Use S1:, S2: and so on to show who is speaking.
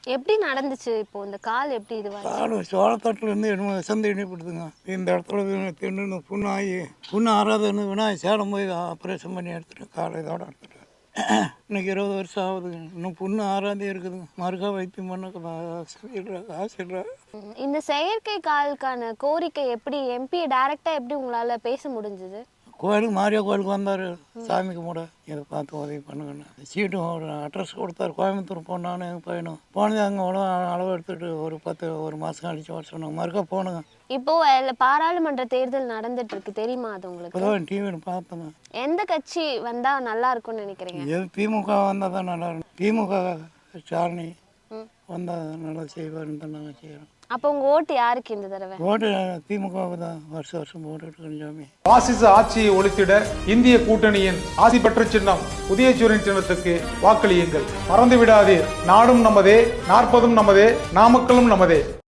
S1: எப்படி நடந்துச்சு இப்போ இந்த கால் எப்படி இதுவாச்சு?
S2: கால் சோளத்தட்டுலேருந்து என்னமோ விசந்து இணைப்படுதுங்க. இந்த இடத்துல தின்னு புண்ணாகி புண்ணு ஆறாதுன்னு விநாயகர் சேலம் போய் ஆப்ரேஷன் பண்ணி எடுத்துட்டேன். காலை இதோட எடுத்துட்டேன். இன்னைக்கு 20 வருஷம் ஆகுதுங்க. இன்னும் புண்ணு ஆறாதே இருக்குதுங்க. மறுக்கா வைத்தியம் பண்ண காசு இல்லை.
S1: இந்த செயற்கை காலுக்கான கோரிக்கை எப்படி எம்பி டைரக்டா எப்படி உங்களால பேச முடிஞ்சது?
S2: கோயிலுக்கு மாரியா கோயிலுக்கு வந்தார், சாமி கும்பிட இதை பார்த்து உதவி பண்ணுங்கன்னு. சீட்டும் ஒரு அட்ரஸ் கொடுத்தாரு. கோயம்புத்தூர் போனான்னு எங்கள் பையனும் போனது. அங்கே அளவு எடுத்துகிட்டு ஒரு மாதம் கழிச்சு வர சொன்னாங்க. மறுக்கா போனுங்க.
S1: இப்போ பாராளுமன்ற தேர்தல் நடந்துட்டு இருக்கு, தெரியுமா அது உங்களுக்கு?
S2: இப்போதான் டிவியில் பார்த்தேங்க.
S1: எந்த கட்சி வந்தா நல்லா இருக்கும்னு நினைக்கிறீங்க?
S2: எது திமுக வந்தால் தான் நல்லா இருக்கும். திமுக ஸ்டாலினி வந்தால் நல்லா செய்வாருன்னு தான் நாங்கள் செய்கிறோம்.
S1: அப்போ உங்க ஓட்டு யாருக்கு இந்த தடவை?
S2: ஓட்டு திமுகவுக்கு தான் வருஷம் போட்டுட்டு கொஞ்சாமே.
S3: பாசிச ஆட்சியை ஒழித்திட இந்திய கூட்டணியின் ஆசி பெற்ற சின்னம் உதயசூரியன் சின்னத்துக்கு வாக்களியுங்கள். மறந்து விடாதீர். நாடும் நமதே, 40ம் நமதே, நாமக்கலும் நமதே.